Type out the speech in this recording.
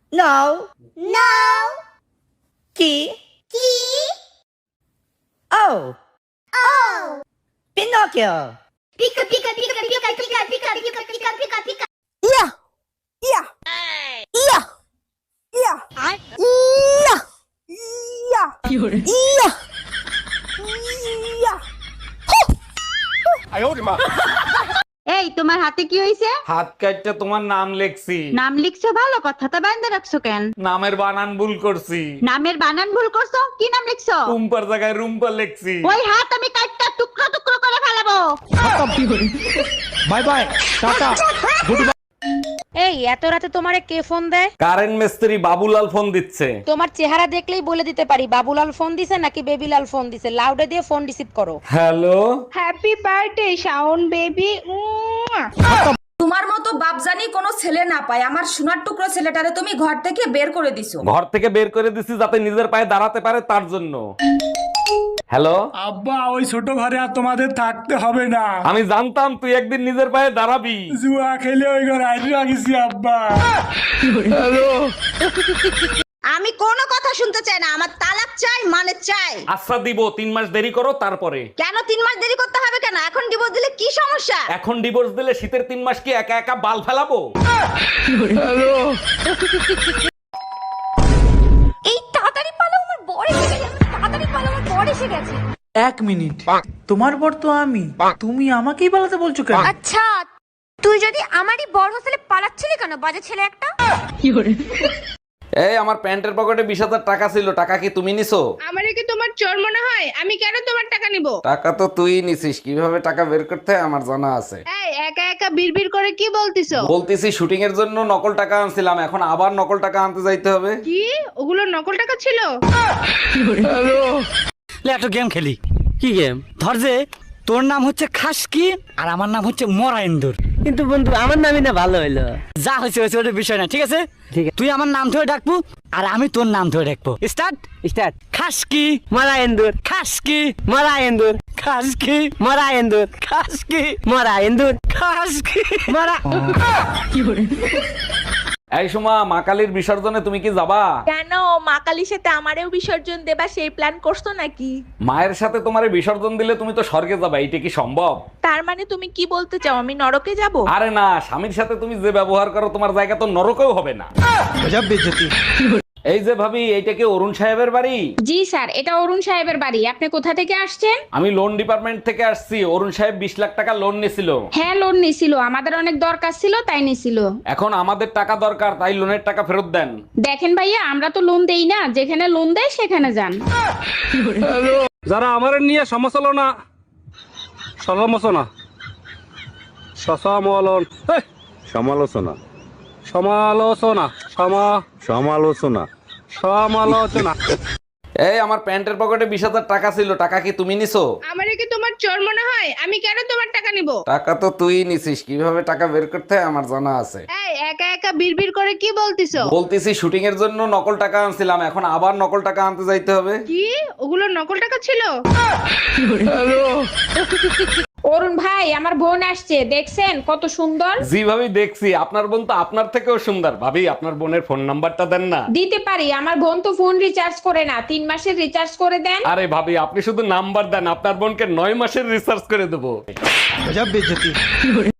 No. No. Key. Key. O. O. Pinocchio. Pika pika pika pika pika pika pika pika pika pika. Yeah. Yeah. Yeah. Yeah. Yeah. Yeah. Yeah. Yeah. এই তোমার হাতে কি হইছে? হাত কাটতে তোমার নাম লেখছি। নাম লিখছো ভালো কথা, তো বাইন্দা রাখছো কেন? নামের বানান ভুল করছি। নামের বানান ভুল করছো? কি নাম লিখছো? রুম্পার জায়গায় রুম্পা লেখছি। ওই হাত আমি কাটটা টুকরো টুকরো করে ফেলাবো। Bye bye, tata. এই এত রাতে তোমারে কে ফোন দেয়? কারেন্ট মিস্ত্রি বাবুলাল ফোন দিচ্ছে। তোমার চেহারা দেখলেই বলে দিতে পারি বাবুলাল ফোন দিছে নাকি বেবিলাল ফোন দিছে। লাউডে দিয়ে ফোন রিসিভ করো। Hello, happy birthday Shaon baby. তোমার মতো বাপজানি কোনো ছেলে না পায়। আমার সোনার টুকরো ছেলেটারে তুমি ঘর থেকে বের করে দিছো। ঘর থেকে বের করে দিছি যাতে নিজের পায়ে দাঁড়াতে পারে তার জন্য। হ্যালো আব্বা, ওই ছোট ঘরে আর তোমাদের থাকতে হবে না। আমি জানতাম তুই একদিন নিজের পায়ে দাঁড়াবি। জুয়া খেলে ওই ঘরে আইডি রাখিছি আব্বা। আমি কোনো কথা শুনতে চাই না, আমার তালাক চাই, মানে চাই। আচ্ছা দিব, 3 মাস দেরি করো তারপরে। কেন 3 মাস দেরি করতে হবে কেন? এখন ডিভোর্স দিলে কি সমস্যা? এখন ডিভোর্স দিলে শীতের 3 মাস কি একা একা বাল ফেলাবো? এই তাড়াতাড়ি পালো, আমার বর এসে গেছে। তাড়াতাড়ি পালো, আমার বর এসে গেছে। 1 মিনিট, তোমার বর তো আমি, তুমি আমাকেই পালাতে বলছো কেন? আচ্ছা তুই যদি আমারই বর হোস্টেলে পালাচ্ছিলি কেন, বাজে ছেলে একটা? এই আমার প্যান্টের পকেটে 20,000 টাকা ছিল, টাকা কি তুমি নিছো? আমারে কি তোমার চোর মনে হয়? আমি কেন তোমার টাকা নিব? টাকা তো তুই নিছিস, কিভাবে টাকা বের করতে হয় আমার জানা আছে। এই একা একা বিড়বিড় করে কি বলতিছো? বলতেছি শুটিং এর জন্য নকল টাকা আনছিলাম, এখন আবার নকল টাকা আনতে যাইতে হবে। কি ওগুলো নকল টাকা ছিল? একটা গেম খেলি। কি গেম? ধর যে তোর নাম হচ্ছে খাসকি আর আমার নাম হচ্ছে মরাইন্দুর। কিন্তু বন্ধু আমার নামই না ভালো হইলো। যা হয়েছে হয়েছে, ওটা বিষয় না, ঠিক আছে? ঠিক আছে, তুই আমার নাম ধরে ডাকবো আর আমি তোর নাম ধরে ডাকবো। Start start. খাসকি মরায়েন্দুর, খাসকি মরায়েন্দুর, খাসকি মরায়েন্দুর, খাসকি মরায়েন্দুর, খাসকি মরা। এই সুমা, মা কালীর বিসর্জনে তুমি কি যাবা? কেন মা কালীর সাথে আমারেও বিসর্জন দেবা সেই প্ল্যান করছো নাকি? মায়ের সাথে তোমারে বিসর্জন দিলে তুমি তো স্বর্গে যাবা, এইটা কি সম্ভব? তার মানে তুমি কি বলতে চাও আমি নরকে যাব? আরে না, স্বামীর সাথে তুমি যে ব্যবহার করো তোমার জায়গা তো নরকেও হবে না। এই যে ভাবি, এইটা কি অরুণ সাহেবের বাড়ি? জি স্যার, এটা অরুণ সাহেবের বাড়ি। আপনি কোথা থেকে আসছেন? আমি লোন ডিপার্টমেন্ট থেকে আসছি। অরুণ সাহেব 20 লাখ টাকা লোন নিছিল। হ্যাঁ লোন নিছিল, আমাদের অনেক দরকার ছিল তাই নিছিল। এখন আমাদের টাকা দরকার, তাই লোনের টাকা ফেরত দেন। দেখেন ভাইয়া, আমরা তো লোন দেই না, যেখানে লোন দেয় সেখানে যান। যারা আমার নিয়ে সমালোচনা সমালোচনা সমালোচনা সমালোচনা সমালোচনা সমালোচনা সমালোচনা। এই আমার প্যান্টের পকেটে 20,000 টাকা ছিল, টাকা কি তুমি নিছো? আমারে কি তোমার চোর মনে হয়? আমি কেন তোমার টাকা নিব? টাকা তো তুই নিছিস, কিভাবে টাকা বের করতে হয় আমার জানা আছে। এই একা একা বিড়বিড় করে কি বলতিছো? বলতেছি শুটিং এর জন্য নকল টাকা আনছিলাম, এখন আবার নকল টাকা আনতে যাইতে হবে। কি ওগুলো নকল টাকা ছিল? অরুণ ভাই, আমার বোন আসছে, দেখছেন কত সুন্দর? জি ভাবি দেখছি, আপনার বোন তো আপনার থেকেও সুন্দর। ভাবি আপনার বোনের ফোন নাম্বারটা দেন না। দিতে পারি, আমার বোন তো ফোন রিচার্জ করে না, 3 মাসের রিচার্জ করে দেন। আরে ভাবি আপনি শুধু নাম্বার দেন, আপনার বোনকে 9 মাসের রিসার্চ করে দেবো।